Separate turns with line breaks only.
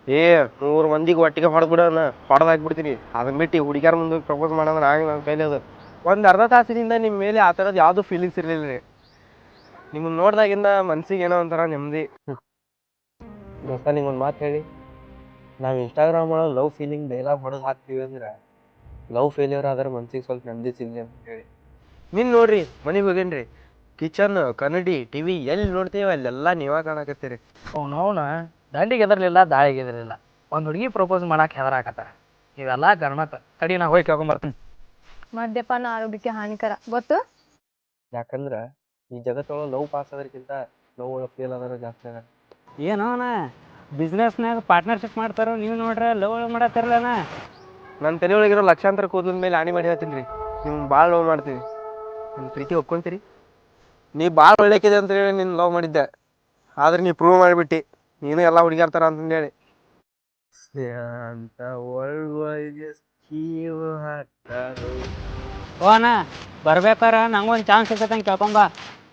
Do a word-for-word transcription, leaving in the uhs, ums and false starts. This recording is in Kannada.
ಏ ಮೂರು ಮಂದಿಗೆ ಒಟ್ಟಿಗೆ ಹೊಡೆದ್ಬಿಡೋಣ ಹೊಡೆದು ಹಾಕ್ಬಿಡ್ತೀನಿ. ಅದನ್ನ ಬಿಟ್ಟು ಹುಡುಗ್ಯಾರ ಮುಂದೆ ಪ್ರಪೋಸ್ ಮಾಡೋದ್ರೆ ಆಗ ನನ್ನ ಕೈಲಿ ಅದು. ಒಂದು ಅರ್ಧ ತಾಸಿನಿಂದ ನಿಮ್ಮ ಮೇಲೆ ಆ ಥರದ್ದು ಯಾವುದೂ ಫೀಲಿಂಗ್ಸ್ ಇರಲಿಲ್ಲ ರೀ. ನಿಮ್ಮನ್ನು ನೋಡ್ದಾಗಿಂದ ಮನ್ಸಿಗೆ ಏನೋ ಒಂಥರ ನೆಮ್ಮದಿ. ದೋಸ್ತ ನಿಂಗೊಂದು ಮಾತು ಹೇಳಿ, ನಾವು ಇನ್ಸ್ಟಾಗ್ರಾಮ್ ಒಳಗೆ ಲವ್ ಫೀಲಿಂಗ್ ಡೈಲಾಗ್ ಹೊಡೆದು ಹಾಕ್ತೀವಿ ಅಂದ್ರೆ ಲವ್ ಫೇಲ್ಯೂರ್ ಆದ್ರೆ ಮನ್ಸಿಗೆ ಸ್ವಲ್ಪ ನೆಮ್ಮದಿ ಸಿಗಲಿ ಅಂತ ಹೇಳಿ. ನೀನು ನೋಡ್ರಿ ಮನೆಗೆ ಹೋಗೇನ್ರಿ, ಕಿಚನ್ ಕನ್ನಡಿ ಟಿ ವಿ ಎಲ್ಲಿ ನೋಡ್ತೀವಿ ಅಲ್ಲೆಲ್ಲ ನೀವೇ ಕಾಣಕತ್ತೀರಿ.
ಅವನವನ ದಂಡಿಗೆ ಎದರ್ಲಿಲ್ಲ ದಾಳಿಗೆ ಎದರ್ಲಿಲ್ಲ, ಒಂದು ಹುಡುಗಿ ಪ್ರಪೋಸ್ ಮಾಡಕ್ಕೆ ಹೆದರಾಕತ್ತಾರ. ಇವೆಲ್ಲ ಗರ್ಮತ ತಡಿ ನಾ ಹೋಗಿ ಕೇಳ್ಕೊಂಬರ್ತೀನಿ.
ಮದ್ಯಪಾನ ಆರೋಗ್ಯಕ್ಕೆ ಹಾನಿಕರ ಗೊತ್ತು.
ಯಾಕಂದ್ರೆ ಈ ಜಗತ್ತೊಳಗೆ ಲವ್ ಪಾಸ್ ಆದ್ರಕ್ಕಿಂತ ಲವ್ ಒಳಗೆ ಫೇಲ್ ಆದ್ರೆ ಜಾಸ್ತಿ ಆಗ.
ಏನೋನ ಬಿಸ್ನೆಸ್ನಾಗ ಪಾರ್ಟ್ನರ್ಶಿಪ್ ಮಾಡ್ತಾರೋ ನೀವು ನೋಡ್ರೆ ಲವ್ ಮಾಡತ್ತಿರಲ್ಲನ.
ನನ್ನ ತಲೆ ಒಳಗಿರೋ ಲಕ್ಷಾಂತರ ಕೂದಲ ಮೇಲೆ ಆಣಿ ಮಾಡಿ ಹೇಳ್ತೀನಿ ರೀ, ನೀವು ಭಾಳ ಲವ್ ಮಾಡ್ತೀವಿ. ನಿಮ್ಮ ಪ್ರೀತಿ ಒಪ್ಕೊಂತೀರಿ? ನೀ ಭಾಳ ಒಳ್ಳೆಕಿದೆ ಅಂತ ಹೇಳಿ ನೀನು ಲವ್ ಮಾಡಿದ್ದೆ, ಆದ್ರೆ ನೀ ಪ್ರೂವ್ ಮಾಡಿಬಿಟ್ಟು ನೀನು ಎಲ್ಲ ಹುಡುಗಿರ್ತಾರ ಅಂತಂದೇಳಿ. ಅಂತ ಒಳಗೆ ಸ್ಕೀವ್ ಹಾಕ್ತಾರೋ.
ಓ ಅಣ್ಣ ಬರ್ಬೇಕಾರ ನಂಗೊಂದು ಚಾನ್ಸ್ ಸಿಗತ್ತಂಗೆ ಕೇಳ್ಕೊಂಬ.